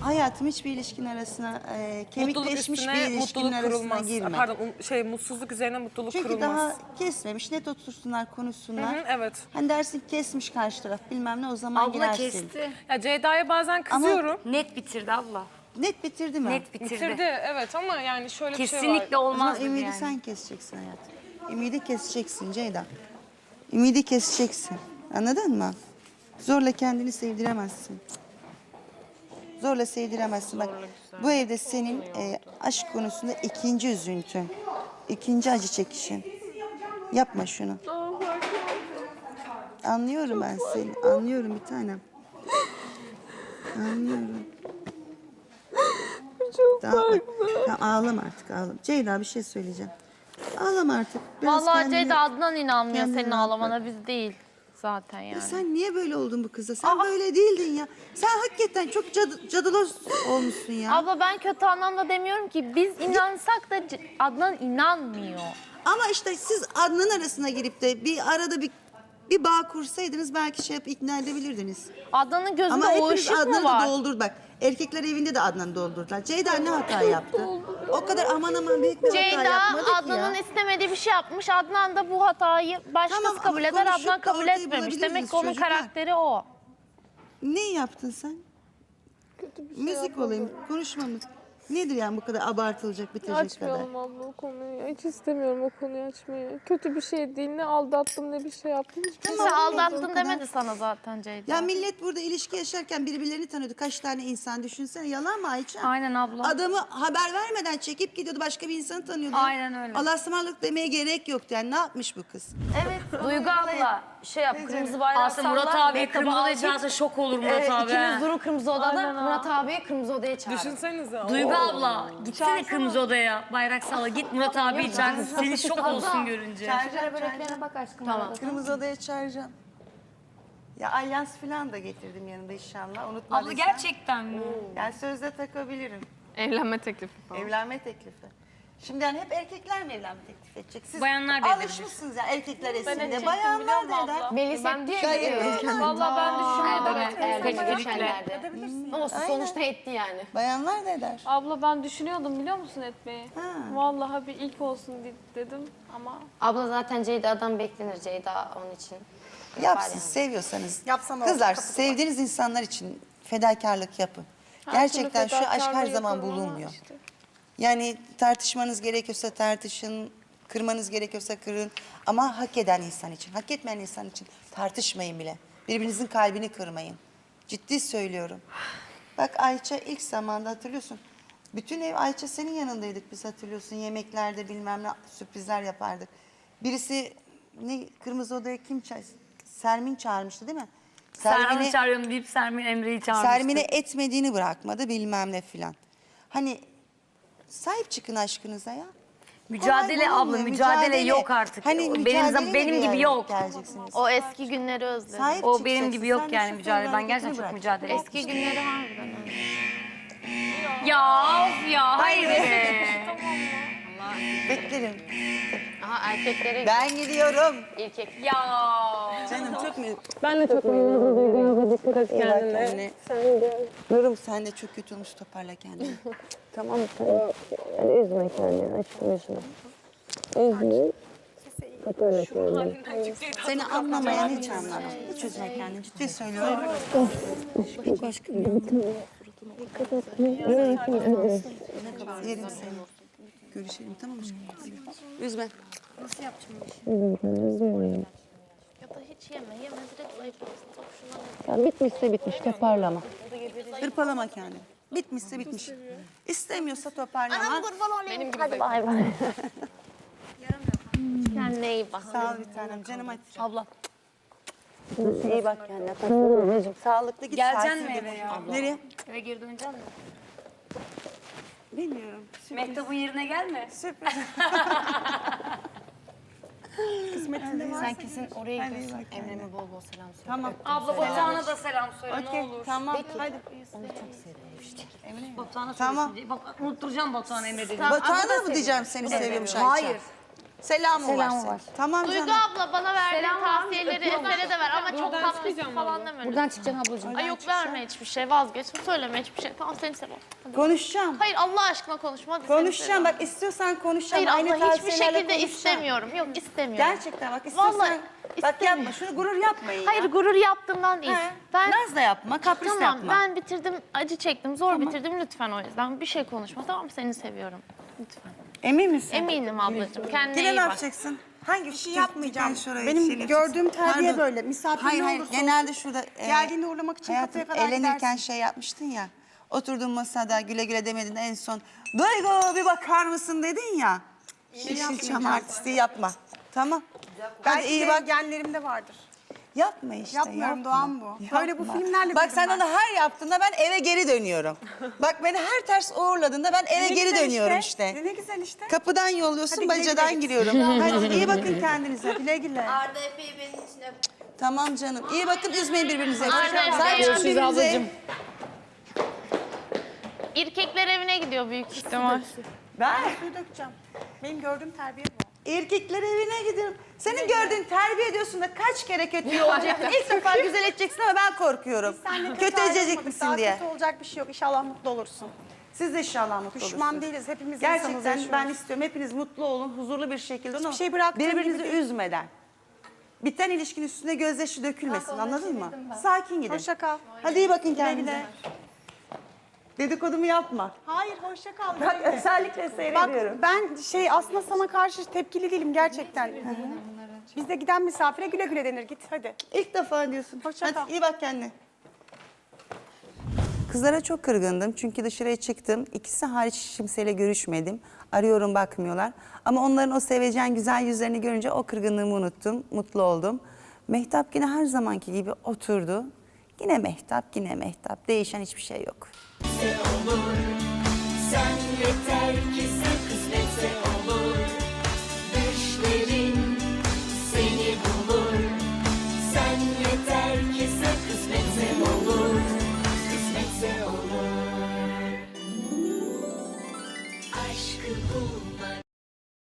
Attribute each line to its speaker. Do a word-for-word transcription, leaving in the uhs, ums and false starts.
Speaker 1: Hayatım hiçbir ilişkin arasına, e, kemikleşmiş bir ilişkinin
Speaker 2: mutluluk
Speaker 1: arasına
Speaker 2: kurulmaz.
Speaker 1: girme.
Speaker 2: Pardon, um- şey mutsuzluk üzerine mutluluk
Speaker 1: Çünkü
Speaker 2: kurulmaz.
Speaker 1: daha kesmemiş, net otursunlar, konuşsunlar.
Speaker 2: Hı hı, evet.
Speaker 1: Hani dersin ki kesmiş karşı taraf bilmem ne, o zaman
Speaker 3: Abla
Speaker 1: girersin.
Speaker 3: kesti.
Speaker 2: Ya Ceyda'ya bazen kızıyorum.
Speaker 3: Net bitirdi abla.
Speaker 1: Net bitirdi mi?
Speaker 3: Net bitirdi.
Speaker 2: Bitirdi evet ama yani şöyle bir şey var.
Speaker 3: Kesinlikle
Speaker 1: O zaman
Speaker 3: olmaz dedi
Speaker 1: ümidi
Speaker 3: yani.
Speaker 1: sen keseceksin hayatım. Ümidi keseceksin Ceyda. Ümidi keseceksin. Anladın mı? Zorla kendini sevdiremezsin. Zorla sevdiremezsin. Bak bu evde senin e, aşk konusunda ikinci üzüntün. İkinci acı çekişin. Yapma şunu. Anlıyorum ben seni. Anlıyorum bir tanem. Anlıyorum.
Speaker 4: Çok
Speaker 1: Daha, bak, tamam, ağlama artık ağlama. Ceyda bir şey söyleyeceğim. Ağlama artık. Biraz
Speaker 5: Vallahi
Speaker 1: kendini-
Speaker 5: Ceyda Adnan inanmıyor
Speaker 1: kendini
Speaker 5: senin
Speaker 1: rahat
Speaker 5: ağlamana, biz değil zaten yani.
Speaker 1: Ya sen niye böyle oldun bu kıza? Sen böyle değildin ya. Sen hakikaten çok cadı, cadılos olmuşsun ya.
Speaker 5: Abla ben kötü anlamda demiyorum ki, biz inansak da C- Adnan inanmıyor.
Speaker 1: Ama işte siz Adnan arasına girip de bir arada bir bir bağ kursaydınız belki şey yapıp ikna edebilirdiniz.
Speaker 5: Adnan'ın gözünde
Speaker 1: Ama
Speaker 5: o
Speaker 1: hepiniz
Speaker 5: ışık mı
Speaker 1: Adnan'ı
Speaker 5: var?
Speaker 1: da doldur bak. Erkekler evinde de Adnan'ı doldurdular. Ceyda ne hata yaptı? O kadar aman aman büyük bir hata
Speaker 5: Ceyda
Speaker 1: yapmadı ki
Speaker 5: Adnan'ın
Speaker 1: ya.
Speaker 5: istemediği bir şey yapmış. Adnan da bu hatayı başkası
Speaker 1: Tamam, ama
Speaker 5: kabul eder,
Speaker 1: konuşup
Speaker 5: Adnan
Speaker 1: da
Speaker 5: kabul
Speaker 1: ortayı
Speaker 5: etmemiş.
Speaker 1: bulabilirdiniz
Speaker 5: Demek ki onun
Speaker 1: çocuklar.
Speaker 5: karakteri o.
Speaker 1: Ne yaptın sen? Müzik olayım, konuşma mı? Nedir yani bu kadar abartılacak, bitecek kadar?
Speaker 4: Açmayalım abla o konuyu. Hiç istemiyorum o konuyu açmayı. Kötü bir şey değil. Ne aldattım ne bir şey yaptım. Hiçbir şey
Speaker 5: Kimse
Speaker 1: Tamam, o
Speaker 5: aldattın
Speaker 1: kadar.
Speaker 5: demedi sana zaten Ceyda.
Speaker 1: Ya millet burada ilişki yaşarken birbirlerini tanıyordu. Kaç tane insan düşünsene. Yalan mı Ayça?
Speaker 5: Aynen abla.
Speaker 1: Adamı haber vermeden çekip gidiyordu. Başka bir insanı tanıyordu.
Speaker 3: Aynen öyle.
Speaker 1: Allah'a ısmarladık demeye gerek yoktu. Yani ne yapmış bu kız?
Speaker 6: Evet Duygu abla şey yap kırmızı bayrağı
Speaker 3: Aslında
Speaker 6: salla.
Speaker 3: Murat abi
Speaker 6: mektaba
Speaker 3: kırmızı
Speaker 6: al
Speaker 3: odaya
Speaker 6: git.
Speaker 3: çağırsa şok olur Murat
Speaker 6: Evet,
Speaker 3: abi.
Speaker 6: ikiniz
Speaker 3: he.
Speaker 6: durun kırmızı odada.
Speaker 4: Aynen abi.
Speaker 6: Murat abiyi kırmızı odaya çağırın.
Speaker 2: Düşünsenize.
Speaker 3: Duygu abla gitsene kırmızı odaya. Bayrak salla git Murat abi çağır. Seni şok olsun görünce.
Speaker 6: Çağıracağım böreklerine bak aşkım. Tamam.
Speaker 1: Kırmızı odaya çağıracağım. Ya alyans falan da getirdim yanında inşallah. Unutmadıysan.
Speaker 3: Abla gerçekten mi?
Speaker 1: Yani sözde takabilirim.
Speaker 4: Evlenme teklifi falan.
Speaker 1: Evlenme teklifi. Şimdi yani hep erkekler mi evlenme teklif edecek? Siz
Speaker 3: Bayanlar da edebilir.
Speaker 1: alışmışsınız ya erkekler
Speaker 5: edecektim
Speaker 1: esinde.
Speaker 5: biliyor
Speaker 1: Bayanlar
Speaker 5: musun
Speaker 1: da
Speaker 5: abla?
Speaker 1: eder.
Speaker 6: Melis hep diye
Speaker 1: Gayet
Speaker 6: biliyorum.
Speaker 4: Vallahi ben düşünüyorum.
Speaker 6: Evet, eğer
Speaker 3: Kesinlikle.
Speaker 6: geçenlerde. Ama sonuçta etti yani.
Speaker 1: Bayanlar da eder.
Speaker 4: Abla ben düşünüyordum biliyor musun etmeyi?
Speaker 1: Ha.
Speaker 4: Vallahi bir ilk olsun de- dedim ama
Speaker 6: Abla zaten Ceyda'dan beklenir. Ceyda onun için.
Speaker 1: Yapsın, seviyorsanız.
Speaker 7: Yapsam olur,
Speaker 1: Kızlar,
Speaker 7: kapatın.
Speaker 1: sevdiğiniz insanlar için fedakarlık yapın.
Speaker 4: her
Speaker 1: Gerçekten
Speaker 4: türlü
Speaker 1: şu aşk her
Speaker 4: fedakarlığı
Speaker 1: zaman
Speaker 4: yaparım ama
Speaker 1: bulunmuyor.
Speaker 4: işte.
Speaker 1: Yani tartışmanız gerekiyorsa tartışın, kırmanız gerekiyorsa kırın. Ama hak eden insan için, hak etmeyen insan için tartışmayın bile. Birbirinizin kalbini kırmayın. Ciddi söylüyorum. Bak Ayça ilk zamanda hatırlıyorsun. Bütün ev Ayça senin yanındaydık biz hatırlıyorsun. Yemeklerde bilmem ne sürprizler yapardık. Birisi ne kırmızı odaya kim çağır? Sermin çağırmıştı değil mi?
Speaker 3: Sermin'i çağırıyorum deyip Sermin Emre'yi çağırmıştı.
Speaker 1: Sermin'e etmediğini bırakmadı bilmem ne filan. Hani sahip çıkın aşkınıza ya.
Speaker 3: Mücadele
Speaker 1: Kolay
Speaker 3: abla,
Speaker 1: bulunmuyor,
Speaker 3: mücadele yok artık.
Speaker 1: Hani
Speaker 3: Benim
Speaker 1: mücadeleyle
Speaker 3: zam- benim
Speaker 1: bir
Speaker 3: gibi
Speaker 1: yere
Speaker 3: yok.
Speaker 1: Geleceksiniz.
Speaker 5: O eski günleri özledim.
Speaker 1: Sahip
Speaker 3: O benim
Speaker 1: çıkacaksın.
Speaker 3: gibi yok
Speaker 1: Sen de
Speaker 3: yani
Speaker 1: şu
Speaker 3: mücadele. Ben
Speaker 1: hareketini
Speaker 3: gerçekten çok
Speaker 1: bırak.
Speaker 3: mücadele
Speaker 5: Eski günleri harbiden öyle.
Speaker 3: Ya of ya hayır be.
Speaker 1: Beklerim.
Speaker 6: Aha erkeklere
Speaker 1: Ben gidiyorum.
Speaker 6: erkek.
Speaker 3: Ya.
Speaker 1: Canım çok mu?
Speaker 4: Ben de çok memnun oldum. Dikkat et
Speaker 1: İyi bak
Speaker 4: kendine.
Speaker 1: kendine.
Speaker 4: Sen de.
Speaker 1: Nurum sen de çok kötü olmuş toparla kendini.
Speaker 4: Tamam sen. Yani üzme kendini. Aşkım üzme. Üzme. Toparla kendini.
Speaker 1: Seni anlamayan hiç anlamaz. Hiç üzme kendini. Ciddi söylüyorum. Yerim seni. Görüşelim tamam mı? Üzme.
Speaker 5: Ya da hiç yeme, yeme direkt zayıflarsın. Bak şuna
Speaker 7: Ya bitmişse bitmiş, toparlama.
Speaker 1: Hırpalama kendini. Bitmişse bitmiş. İstemiyorsa toparlama.
Speaker 5: benim gibi hadi bay bay. Kendine iyi bak.
Speaker 1: Sağ ol bir tanem. Canım hadi.
Speaker 3: Abla.
Speaker 7: İyi bak kendine.
Speaker 1: Sağlıklı git.
Speaker 3: Geleceksin
Speaker 1: sakin
Speaker 3: mi
Speaker 1: git.
Speaker 3: eve ya?
Speaker 1: Nereye?
Speaker 3: Eve geri döneceksin mi?
Speaker 1: Bilmiyorum. Sürpriz.
Speaker 3: Mektubun yerine gelme.
Speaker 1: Sürpriz. Kısmetinde var.
Speaker 6: Sen kesin oraya gidiyorsun. Emre'me bol bol selam söyle.
Speaker 1: Tamam.
Speaker 3: Abla Batuhan'a da selam söyle
Speaker 1: Okey.
Speaker 3: ne olur.
Speaker 1: Tamam. Hadi.
Speaker 3: Batuhan'a
Speaker 1: Tamam.
Speaker 3: söylesin. Bak unutturacağım Batuhan'a Emre dediğini.
Speaker 1: Batuhan'a mı diyeceğim seni seviyormuş Ayça?
Speaker 3: Hayır.
Speaker 1: Selamı var.
Speaker 7: Selamı
Speaker 1: senin.
Speaker 7: var.
Speaker 1: Tamam
Speaker 6: Duygu
Speaker 1: canım.
Speaker 6: abla bana verdiği tavsiyeleri Eser'e de ver ama çok
Speaker 2: Buradan
Speaker 6: tatlı
Speaker 2: çıkmayacağım
Speaker 6: falan
Speaker 2: abla.
Speaker 6: deme.
Speaker 7: Buradan çıkacaksın ablacığım.
Speaker 6: Ay yok verme hiçbir şey vazgeç. Söyleme hiçbir şey. Tamam seni seviyorum. Hadi.
Speaker 1: Konuşacağım.
Speaker 6: Hayır Allah aşkına konuşma. Hadi seni
Speaker 1: Konuşacağım.
Speaker 6: seviyorum.
Speaker 1: Bak istiyorsan konuşacağım.
Speaker 6: Hayır
Speaker 1: Aynı
Speaker 6: abla hiçbir
Speaker 1: tavsiyelerle
Speaker 6: şekilde
Speaker 1: konuşacağım.
Speaker 6: istemiyorum. Yok istemiyorum.
Speaker 1: Gerçekten bak istiyorsan.
Speaker 6: Vallahi
Speaker 1: Bak yapma. Şunu gurur yapmayın
Speaker 6: Hayır
Speaker 1: ya.
Speaker 6: gurur yaptığımdan değil.
Speaker 1: He.
Speaker 6: Ben
Speaker 1: Naz da yapma. Kapris de
Speaker 6: tamam
Speaker 1: yapma.
Speaker 6: ben bitirdim acı çektim zor bitirdim lütfen o yüzden bir şey konuşma tamam seni seviyorum. Lütfen.
Speaker 1: Emin misin?
Speaker 6: Eminim ablacığım kendine
Speaker 1: Yine
Speaker 6: iyi
Speaker 1: ne
Speaker 6: bak.
Speaker 1: yapacaksın? Hangi
Speaker 8: Bir şey yapmayacağım.
Speaker 1: şurayı
Speaker 8: Benim
Speaker 1: çelik-
Speaker 8: gördüğüm terbiye
Speaker 1: Pardon.
Speaker 8: böyle. Misafir
Speaker 1: Hayır
Speaker 8: ne
Speaker 1: hayır
Speaker 8: olursa
Speaker 1: genelde
Speaker 8: olsun,
Speaker 1: şurada. e,
Speaker 8: geldiğinde uğurlamak için
Speaker 1: hayatım,
Speaker 8: kapıya kadar
Speaker 1: eğlenirken
Speaker 8: gidersin.
Speaker 1: şey yapmıştın ya. Oturduğun masada güle güle demedin en son. Duygu bir bakar mısın dedin ya. Yeşilçam artistliği yapma. Tamam. Hadi
Speaker 8: Belki
Speaker 1: iyi
Speaker 8: de
Speaker 1: bak.
Speaker 8: genlerimde vardır.
Speaker 1: Yapma işte.
Speaker 8: Yapmıyorum,
Speaker 1: yapma.
Speaker 8: doğam bu. Böyle bu filmlerle
Speaker 1: Bak
Speaker 8: büyüdüm
Speaker 1: sen
Speaker 8: ben.
Speaker 1: onu her yaptığında ben eve geri dönüyorum. Bak beni her ters uğurladığında ben eve
Speaker 8: Ne
Speaker 1: geri
Speaker 8: güzel
Speaker 1: dönüyorum işte.
Speaker 8: Ne güzel işte.
Speaker 1: Kapıdan yolluyorsun,
Speaker 8: Hadi güle
Speaker 1: bacadan
Speaker 8: güle.
Speaker 1: giriyorum. Hadi iyi bakın kendinize.
Speaker 8: Güle güle.
Speaker 6: Arda Efe'yi benim için öp.
Speaker 1: Tamam canım. İyi bakın, üzmeyin birbirinizi.
Speaker 6: Aynen.
Speaker 1: Sahip çıkın
Speaker 3: Görüşürüz
Speaker 1: birbirinize.
Speaker 3: ablacığım.
Speaker 6: İrkekler evine gidiyor büyük ihtimal.
Speaker 1: Ben
Speaker 8: Suyu dökeceğim. Benim gördüğüm terbiye bu.
Speaker 1: erkekler evine gidiyorum. Senin gördüğün terbiye ediyorsun da kaç kere kötü olacaksın. İlk defa güzel edeceksin ama ben korkuyorum.
Speaker 8: Seninle
Speaker 1: Kötü edecek
Speaker 8: ayrılmadık.
Speaker 1: misin
Speaker 8: Daha
Speaker 1: diye.
Speaker 8: kötü olacak bir şey yok. İnşallah mutlu olursun.
Speaker 1: Siz de inşallah mutlu
Speaker 8: Düşman
Speaker 1: olursunuz.
Speaker 8: değiliz. Hepimiz insanız,
Speaker 1: Gerçekten
Speaker 8: yaşıyoruz.
Speaker 1: ben istiyorum. Hepiniz mutlu olun, huzurlu bir şekilde olun.
Speaker 8: şey bıraktığım
Speaker 1: Birbirinizi
Speaker 8: gibi değil.
Speaker 1: üzmeden. Biten ilişkinin üstüne gözyaşı dökülmesin, anladın mı? Sakin gidin.
Speaker 8: Hoşça kal.
Speaker 1: Hadi iyi bakın
Speaker 8: Güle
Speaker 1: kendinize.
Speaker 8: güle.
Speaker 1: Dedikodumu yapma.
Speaker 8: Hayır hoşça kal.
Speaker 1: Bak özellikle
Speaker 8: Bak
Speaker 1: seyrediyorum.
Speaker 8: ben şey aslında sana karşı tepkili değilim gerçekten. Bizde giden misafire güle güle denir. Git hadi.
Speaker 1: İlk defa diyorsun.
Speaker 8: Hoşça
Speaker 1: Hadi
Speaker 8: kal.
Speaker 1: iyi bak kendine. Kızlara çok kırgındım çünkü dışarıya çıktım. İkisi hariç hiç kimseyle görüşmedim. Arıyorum bakmıyorlar. Ama onların o sevecen güzel yüzlerini görünce o kırgınlığımı unuttum. Mutlu oldum. Mehtap yine her zamanki gibi oturdu. Yine Mehtap, yine Mehtap. Değişen hiçbir şey yok.